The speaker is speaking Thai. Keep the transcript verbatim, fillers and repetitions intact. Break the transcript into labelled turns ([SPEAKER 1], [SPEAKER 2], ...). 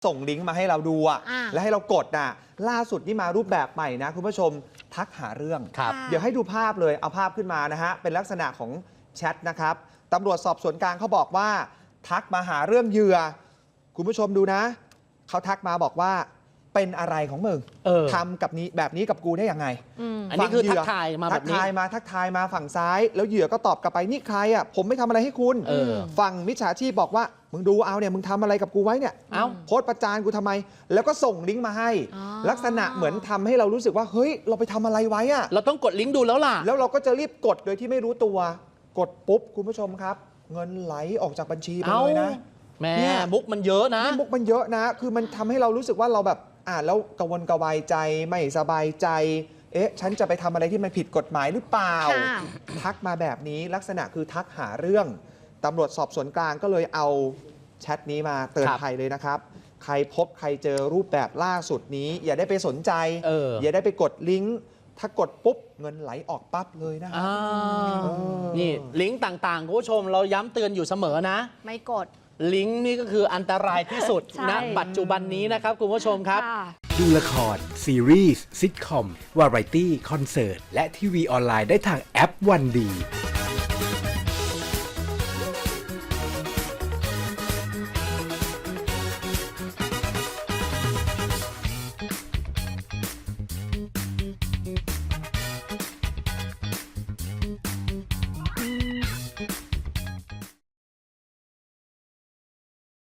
[SPEAKER 1] ส่งลิงก์มาให้เราดูอ่ะแล้วให้เรากดน่ะล่าสุดนี่มารูปแบบใหม่นะคุณผู้ชมทักหาเรื่องเดี๋ยวให้ดูภาพเลยเอาภาพขึ้นมานะฮะเป็นลักษณะของแชทนะครับตำรวจสอบสวนกลางเขาบอกว่าทักมาหาเรื่องเหยื่อคุณผู้ชมดูนะเขาทักมาบอกว่าเป็นอะไรของมึงทำกับนี้แบบนี้กับกูได้ยังไง
[SPEAKER 2] อ, อันนี้คือทักทายมาแบบนี้
[SPEAKER 1] ทักทายมาทักทายมาฝั่งซ้ายแล้วเหยื่อก็ตอบกลับไปนี่ใครอ่ะผมไม่ทำอะไรให้คุณฝั่งมิจฉาชีพบอกว่ามึงดูเอาเนี่ยมึงทำอะไรกับกูไว้เนี่ยโพสต์ประจานกูทำไมแล้วก็ส่งลิงก์มาให้ลักษณะเหมือนทำให้เรารู้สึกว่าเฮ้ยเราไปทำอะไรไว้อ่ะ
[SPEAKER 2] เราต้องกดลิงก์ดูแล้วล่ะ
[SPEAKER 1] แล้วเราก็จะรีบกดโดยที่ไม่รู้ตัวกดปุ๊บคุณผู้ชมครับเงินไหลออกจากบัญชีไปเลยนะ
[SPEAKER 2] แม่มุกมันเยอะนะ
[SPEAKER 1] มุกมันเยอะนะคือมันทำให้เรารู้สึกว่าเราแบบอ่านแล้วกังวลกระวายใจไม่สบายใจเอ๊ะฉันจะไปทำอะไรที่มันผิดกฎหมายหรือเปล่าทักมาแบบนี้ลักษณะคือทักหาเรื่องตำรวจสอบสวนกลางก็เลยเอาแชทนี้มาเตือนภัยเลยนะครับใครพบใครเจอรูปแบบล่าสุดนี้อย่าได้ไปสนใจ
[SPEAKER 2] เออ
[SPEAKER 1] อย่าได้ไปกดลิงก์ถ้ากดปุ๊บเงินไหลออกปั๊บเลยนะครับ
[SPEAKER 2] นี่ลิงก์ต่างๆคุณผู้ชมเราย้ำเตือนอยู่เสมอนะ
[SPEAKER 3] ไม่กด
[SPEAKER 2] ลิงก์นี่ก็คืออันตรายที่สุดณปัจจุบันนี้นะครับคุณผู้ชมครับ
[SPEAKER 4] ดูละครซีรีส์ซิทคอมวาไรตี้คอนเสิร์ตและทีวีออนไลน์ได้ทางแอปวันดี